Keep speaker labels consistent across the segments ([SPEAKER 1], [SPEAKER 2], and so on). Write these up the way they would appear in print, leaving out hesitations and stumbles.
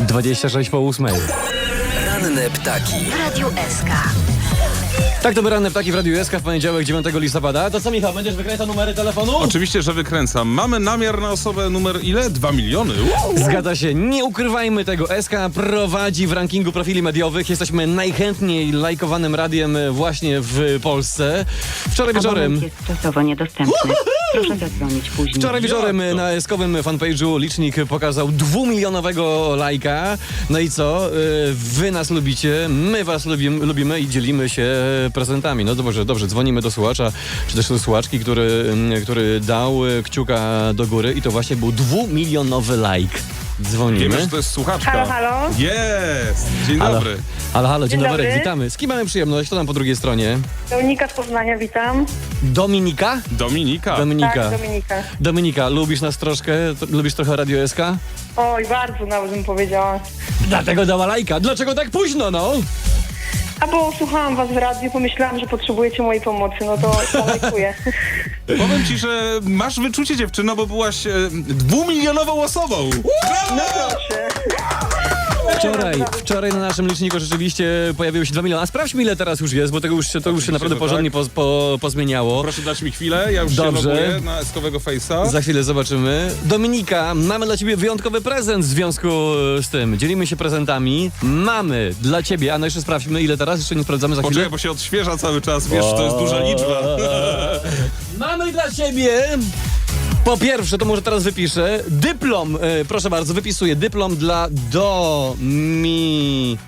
[SPEAKER 1] 26 po 8.
[SPEAKER 2] Ranne ptaki.
[SPEAKER 3] W Radiu SK.
[SPEAKER 1] Tak, to by ranne ptaki w Radiu SK w poniedziałek 9 listopada. To co, Michał, będziesz wykręcał numery telefonu?
[SPEAKER 4] Oczywiście, że wykręcam. Mamy namiar na osobę numer ile? 2 miliony.
[SPEAKER 1] Zgadza się, nie ukrywajmy tego. SK prowadzi w rankingu profili mediowych. Jesteśmy najchętniej lajkowanym radiem właśnie w Polsce. Wczoraj wieczorem...
[SPEAKER 5] Abonent jest czasowo niedostępny. Proszę zadzwonić później.
[SPEAKER 1] Wczoraj wieczorem
[SPEAKER 4] Jak to?
[SPEAKER 1] na eskowym fanpage'u licznik pokazał 2-milionowego lajka. No i co? Wy nas lubicie, my was lubimy i dzielimy się prezentami. No dobrze, dzwonimy do słuchacza, czy też do słuchaczki, który dał kciuka do góry i to właśnie był 2-milionowy like. Dzwonimy.
[SPEAKER 4] Wiemy, że to jest słuchaczka.
[SPEAKER 6] Halo, halo?
[SPEAKER 4] Jest! Dzień dobry.
[SPEAKER 1] Halo, dzień
[SPEAKER 6] Dzień
[SPEAKER 1] dobry,
[SPEAKER 6] dobry.
[SPEAKER 1] witamy. Z kim mamy przyjemność? To tam po drugiej stronie.
[SPEAKER 6] Dominika z Poznania, witam.
[SPEAKER 1] Dominika?
[SPEAKER 4] Dominika.
[SPEAKER 1] Dominika.
[SPEAKER 6] Tak, Dominika.
[SPEAKER 1] Dominika, lubisz nas troszkę? Lubisz trochę Radio SK?
[SPEAKER 6] Oj, bardzo nawet bym powiedziała.
[SPEAKER 1] Dlatego dała lajka. Dlaczego tak późno, no?
[SPEAKER 6] A bo słuchałam was w radiu, pomyślałam, że potrzebujecie mojej pomocy, no to lajkuję.
[SPEAKER 4] Powiem ci, że masz wyczucie, dziewczyno, bo byłaś 2-milionową osobą.
[SPEAKER 6] No proszę.
[SPEAKER 1] Wczoraj na naszym liczniku rzeczywiście pojawiło się 2 miliony. A sprawdźmy, ile teraz już jest, bo to już się naprawdę
[SPEAKER 4] że
[SPEAKER 1] porządnie
[SPEAKER 4] tak.
[SPEAKER 1] pozmieniało.
[SPEAKER 4] Proszę dać mi chwilę, ja już
[SPEAKER 1] Dobrze.
[SPEAKER 4] się loguję na eskowego face'a.
[SPEAKER 1] Za chwilę zobaczymy. Dominika, mamy dla ciebie wyjątkowy prezent w związku z tym. Dzielimy się prezentami. Mamy dla ciebie, a no jeszcze sprawdźmy, ile teraz, jeszcze nie sprawdzamy za chwilę.
[SPEAKER 4] Poczekaj, bo się odświeża cały czas, wiesz, to jest duża liczba.
[SPEAKER 1] Mamy dla ciebie... Po pierwsze, to może teraz wypiszę, dyplom, proszę bardzo, wypisuję dyplom dla Dominiki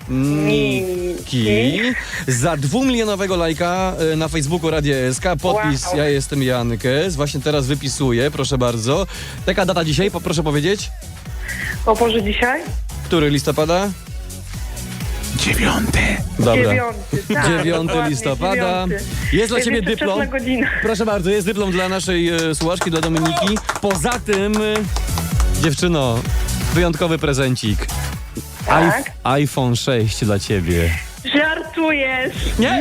[SPEAKER 1] za 2-milionowego lajka na Facebooku Radia SK, podpis
[SPEAKER 6] Wow.
[SPEAKER 1] Ja jestem Jankes, właśnie teraz wypisuję, proszę bardzo. Taka data dzisiaj, proszę powiedzieć,
[SPEAKER 6] O Boże, dzisiaj?
[SPEAKER 1] który listopada?
[SPEAKER 4] 9.
[SPEAKER 1] Dobra.
[SPEAKER 6] 9. Tak,
[SPEAKER 1] 9
[SPEAKER 6] dokładnie,
[SPEAKER 1] listopada.
[SPEAKER 6] 9.
[SPEAKER 1] Jest dla
[SPEAKER 6] Jest
[SPEAKER 1] ciebie
[SPEAKER 6] jeszcze
[SPEAKER 1] dyplom.
[SPEAKER 6] wczesna godzina.
[SPEAKER 1] Proszę bardzo, jest dyplom dla naszej słuchaczki, dla Dominiki. Poza tym, dziewczyno, wyjątkowy prezencik.
[SPEAKER 6] Tak.
[SPEAKER 1] iPhone 6 dla ciebie.
[SPEAKER 6] Żartujesz.
[SPEAKER 1] Nie?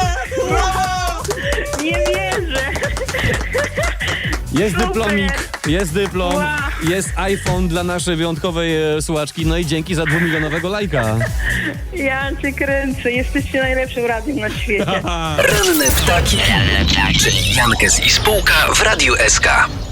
[SPEAKER 6] Nie wierzę.
[SPEAKER 1] Jest
[SPEAKER 6] Super.
[SPEAKER 1] dyplomik, jest dyplom,
[SPEAKER 6] Wow.
[SPEAKER 1] jest iPhone dla naszej wyjątkowej słuchaczki. No i dzięki za 2-milionowego lajka.
[SPEAKER 6] Ja cię kręcę. Jesteście najlepszym radiem na świecie.
[SPEAKER 2] Ranne ptaki. Czyli Jankes i spółka w Radiu SK.